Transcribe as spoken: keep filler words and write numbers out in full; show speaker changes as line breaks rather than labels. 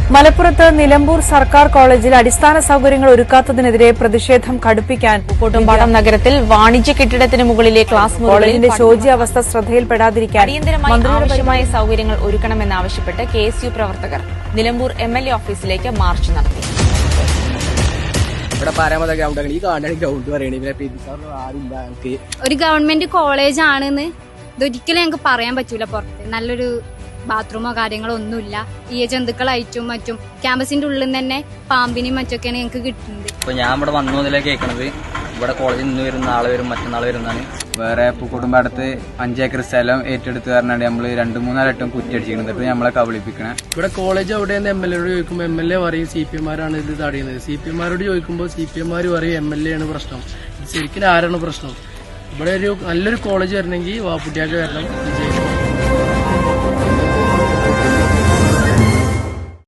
മലപ്പുറത്ത് നിലമ്പൂർ സർക്കാർ കോളേജിൽ അടിസ്ഥാന സൌകര്യങ്ങൾ ഒരുക്കാത്തതിനെതിരെ പ്രതിഷേധം കടുപ്പിക്കാൻ
കൂട്ടുംപാടം നഗരത്തിൽ വാണിജ്യ കെട്ടിടത്തിന് മുകളിലെ ക്ലാസ്
കോളേജിന്റെ ശോച്യാവസ്ഥ ശ്രദ്ധയിൽപ്പെടാതിരിക്കാൻ
അടിയന്തരമായി ആവശ്യമായ സൌകര്യങ്ങൾ ഒരുക്കണമെന്നാവശ്യപ്പെട്ട് കെ എസ് യു പ്രവർത്തകർ നിലമ്പൂർ എം എൽ എ ഓഫീസിലേക്ക് മാർച്ച് നടത്തി.
ഒരു ഗവൺമെന്റ് കോളേജ് ആണെന്ന് ഇതൊരിക്കലും ഞങ്ങൾക്ക് പറയാൻ പറ്റൂല. പുറത്ത് നല്ലൊരു ബാത്റൂമോ കാര്യങ്ങളോ ഒന്നുമില്ല. ഈ ജന്തുക്കളായിട്ടും മറ്റും ക്യാമ്പസിന്റെ ഉള്ളിൽ നിന്ന് തന്നെ പാമ്പിനെയും മറ്റൊക്കെയാണ് ഞങ്ങൾക്ക് കിട്ടുന്നത്.
ഇപ്പൊ ഞാൻ ഇവിടെ വന്നു മുതലേ കേൾക്കണത് ഇവിടെ കോളേജിൽ നിന്ന് വരും, നാളെ വരും, മറ്റന്നാൾ വരുന്നതാണ്.
വേറെ പൂക്കോട്ടുംപാടത്ത് അഞ്ചേക്കർ സ്ഥലം ഏറ്റെടുത്ത് പറഞ്ഞാൽ നമ്മള് രണ്ടു മൂന്നാലട്ടം കുറ്റിയടിച്ചിരുന്നിട്ട് നമ്മളെ കബളിപ്പിക്കണേ.
ഇവിടെ കോളേജ് എവിടെയെന്ന് എം എൽ എയോട് ചോദിക്കുമ്പോൾ എം എൽ എ പറയും സി പി എമാരാണ് ഇത് തടയുന്നത്. സി പി എമാരോട് ചോദിക്കുമ്പോൾ സി പി എമാർ പറയും എം എൽ എ ആണ് പ്രശ്നം. ശരിക്കും ആരാണ് പ്രശ്നം? ഇവിടെ ഒരു നല്ലൊരു കോളേജ് വരണമെങ്കിൽ വാപ്പുട്ടിയാക്ക് വരണം, വിജയിക്കണം.